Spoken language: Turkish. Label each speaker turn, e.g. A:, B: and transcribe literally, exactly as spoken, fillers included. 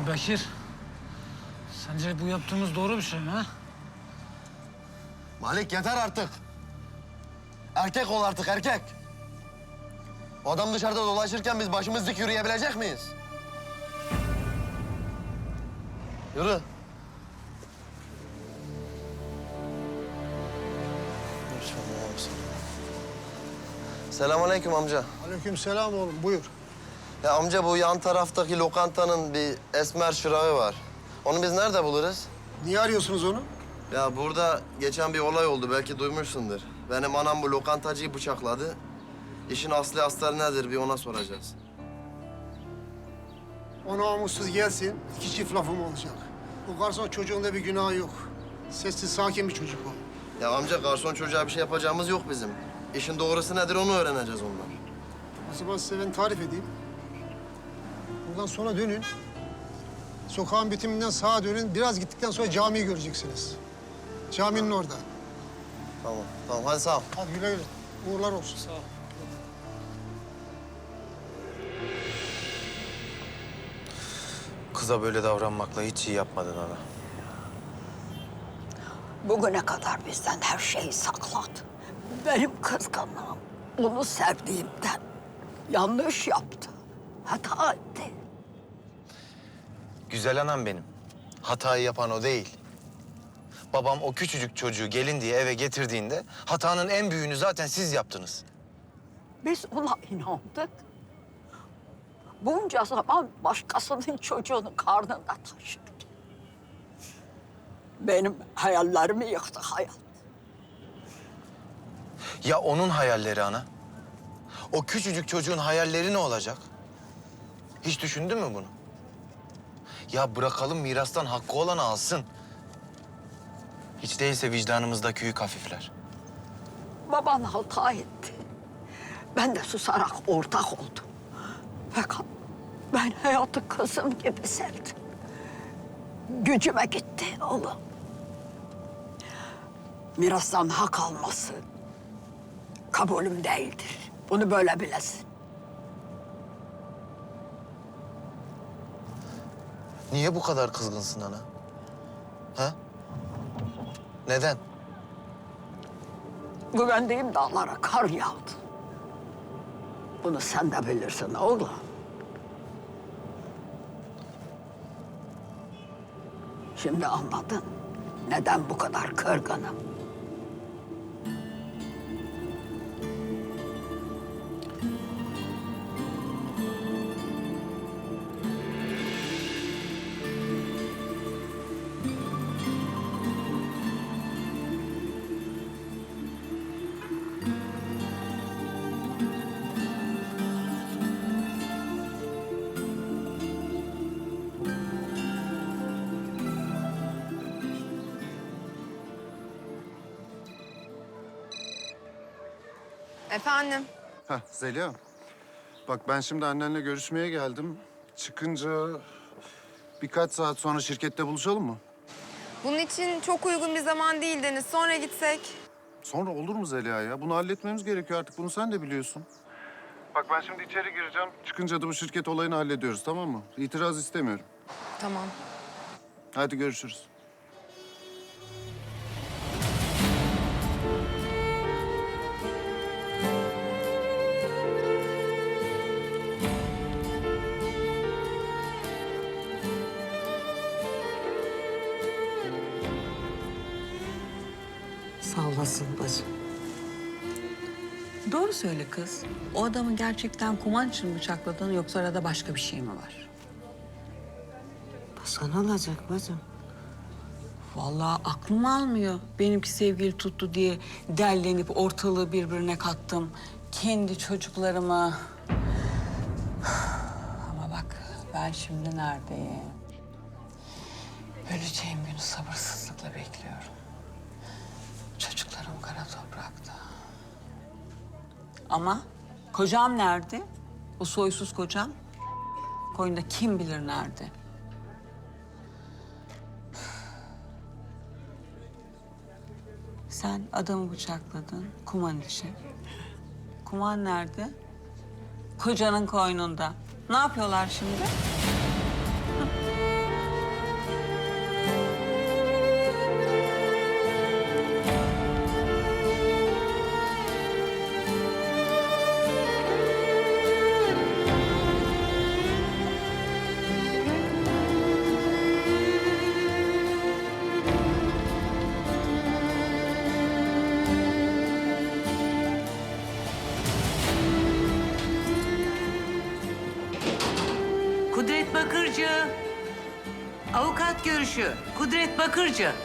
A: Ya Bekir, sence bu yaptığımız doğru bir şey mi ha?
B: Malik yeter artık. Erkek ol artık erkek. O adam dışarıda dolaşırken biz başımız dik yürüyebilecek miyiz? Yürü. Selamünaleyküm amca.
C: Aleykümselam oğlum, buyur.
B: Ya amca bu yan taraftaki lokantanın bir esmer şırağı var. Onu biz nerede buluruz?
C: Niye arıyorsunuz onu?
B: Ya burada geçen bir olay oldu, belki duymuşsundur. Benim anam bu lokantacıyı bıçakladı. İşin aslı astarı nedir bir ona soracağız.
C: O namussuz gelsin, iki çift lafım olacak. Bu garson çocuğunda bir günahı yok. Sessiz, sakin bir çocuk o.
B: Ya amca garson çocuğa bir şey yapacağımız yok bizim. İşin doğrusu nedir onu öğreneceğiz ondan.
C: O zaman size ben tarif edeyim. Buradan sonra dönün. Sokağın bitiminden sağa dönün. Biraz gittikten sonra camiyi göreceksiniz. Caminin orada.
B: Tamam, tamam hadi sağ ol.
C: Hadi güle güle. Uğurlar olsun.
A: Sağ ol.
D: Kıza böyle davranmakla hiç iyi yapmadın ana.
E: Bugüne kadar bizden her şeyi sakladı. Benim kızgınlığım onu sevdiğimden yanlış yaptı. Hata etti.
D: Güzel anam benim. Hatayı yapan o değil. Babam o küçücük çocuğu gelin diye eve getirdiğinde hatanın en büyüğünü zaten siz yaptınız.
E: Biz ona inandık. Bunca zaman başkasının çocuğunu karnında taşıdık. Benim hayallerimi yıktı hayat.
D: Ya onun hayalleri ana? O küçücük çocuğun hayalleri ne olacak? Hiç düşündün mü bunu? Ya bırakalım mirastan hakkı olanı alsın. Hiç değilse vicdanımızdaki yük hafifler.
E: Baban hata etti. Ben de susarak ortak oldum. Fakat ben hayatı kızım gibi sevdim. Gücüme gitti oğlum. Mirastan hak alması kabulüm değildir. Bunu böyle bilesin.
D: Niye bu kadar kızgınsın ana? Ha? Neden?
E: Güvendiğim dağlara kar yağdı. Bunu sen de bilirsin oğlum. Şimdi anladın neden bu kadar kırgınım.
F: Efendim?
G: Heh, Zeliha. Bak ben şimdi annenle görüşmeye geldim. Çıkınca birkaç saat sonra şirkette buluşalım mı?
F: Bunun için çok uygun bir zaman değil Deniz. Sonra gitsek.
G: Sonra olur mu Zeliha ya? Bunu halletmemiz gerekiyor artık. Bunu sen de biliyorsun. Bak ben şimdi içeri gireceğim. Çıkınca da bu şirket olayını hallediyoruz, tamam mı? İtiraz istemiyorum.
F: Tamam.
G: Hadi görüşürüz.
H: Sağ olasın bacım. Doğru söyle kız. O adamı gerçekten kuman için mi bıçakladın yoksa arada başka bir şey mi var?
I: Başka ne olacak bacım?
H: Vallahi aklım almıyor. Benimki sevgili tuttu diye derlenip ortalığı birbirine kattım. Kendi çocuklarıma. Ama bak ben şimdi neredeyim? Öleceğim günü sabırsızlıkla bekliyorum. Çocuklarım kara toprakta. Ama kocam nerede? O soysuz kocam. Koyunda kim bilir nerede? Sen adamı bıçakladın kuman için. Kuman nerede? Kocanın koynunda. Ne yapıyorlar şimdi? Hı?
I: Bakırcı. Avukat görüşü. Kudret Bakırcı.